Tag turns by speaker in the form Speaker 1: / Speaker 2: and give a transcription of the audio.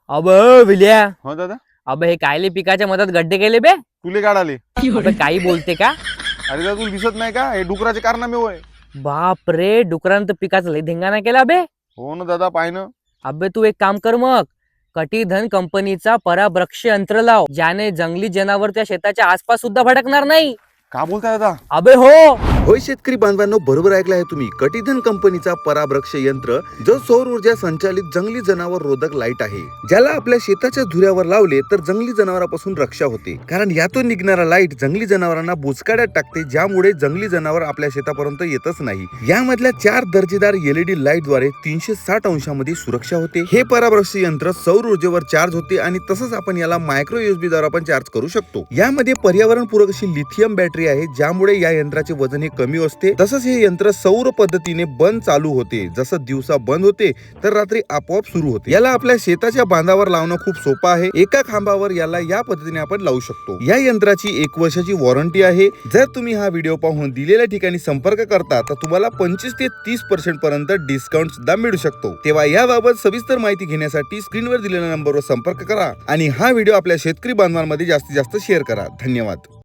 Speaker 1: अब विल्या,
Speaker 2: हो दादा.
Speaker 1: अब हे कायले पिकाच्या मधात गड्डे केले बे?
Speaker 2: तुले काढाले.
Speaker 1: अबे काही बोलते का?
Speaker 2: अरे दादा तुला दिसत नाही का, हे डुकराचे कारनामे होय.
Speaker 1: बाप रे, डुकरानं तर पिकाचा लय धिंगाणा केला बे.
Speaker 2: हो ना दादा, पाय ना.
Speaker 1: अबे तू एक काम कर मग, कटिधन कंपनीचा पराभ्रक्ष यंत्र लाव, ज्याने जंगली जनावर त्या शेताच्या आसपास सुद्धा भटकणार नाही.
Speaker 2: का बोलताय दादा?
Speaker 1: अबे हो.
Speaker 3: होय शेतकरी बांधवांनो, बरोबर ऐकलं आहे तुम्ही. कटिधन कंपनीचा पराभ्रक्ष यंत्र जो सौर ऊर्जा संचालित जंगली जनावर रोधक लाईट आहे, ज्याला आपल्या शेताच्या धुऱ्यावर लावले तर जंगली जनावरांपासून रक्षा होते. कारण यातून निघणारा लाईट जंगली जनावरांना बुचकाड्यात टाकते, ज्यामुळे जंगली जनावर आपल्या शेतापर्यंत येतच नाही. यामधल्या 4 दर्जेदार LED लाईट द्वारे 360 अंशामध्ये सुरक्षा होते. हे पराभ्रक्ष यंत्र सौर ऊर्जेवर चार्ज होते आणि तसंच आपण याला मायक्रो USB द्वारे पण चार्ज करू शकतो. यामध्ये पर्यावरणपूरक अशी लिथियम बॅटरी आहे, ज्यामुळे या यंत्राचे वजन हे कमी असते. तसंच हे यंत्र सौर पद्धतीने बंद चालू होते. जसं दिवसा बंद होते तर रात्री आपोआप सुरू होते. याला आपल्या शेताच्या बांधावर लावणं खूप सोपं आहे. एका खांबावर याला या पद्धतीने आपण लावू शकतो. या यंत्राची 1 वर्षाची वॉरंटी आहे. जर तुम्ही हा व्हिडिओ पाहून दिलेल्या ठिकाणी संपर्क करता तर तुम्हाला 25 ते 30% पर्यंत डिस्काउंट सुद्धा मिळू शकतो. तेव्हा याबाबत सविस्तर माहिती घेण्यासाठी स्क्रीनवर दिलेल्या नंबरवर संपर्क करा आणि हा व्हिडिओ आपल्या शेतकरी बांधवांमध्ये जास्तीत जास्त शेअर करा. धन्यवाद.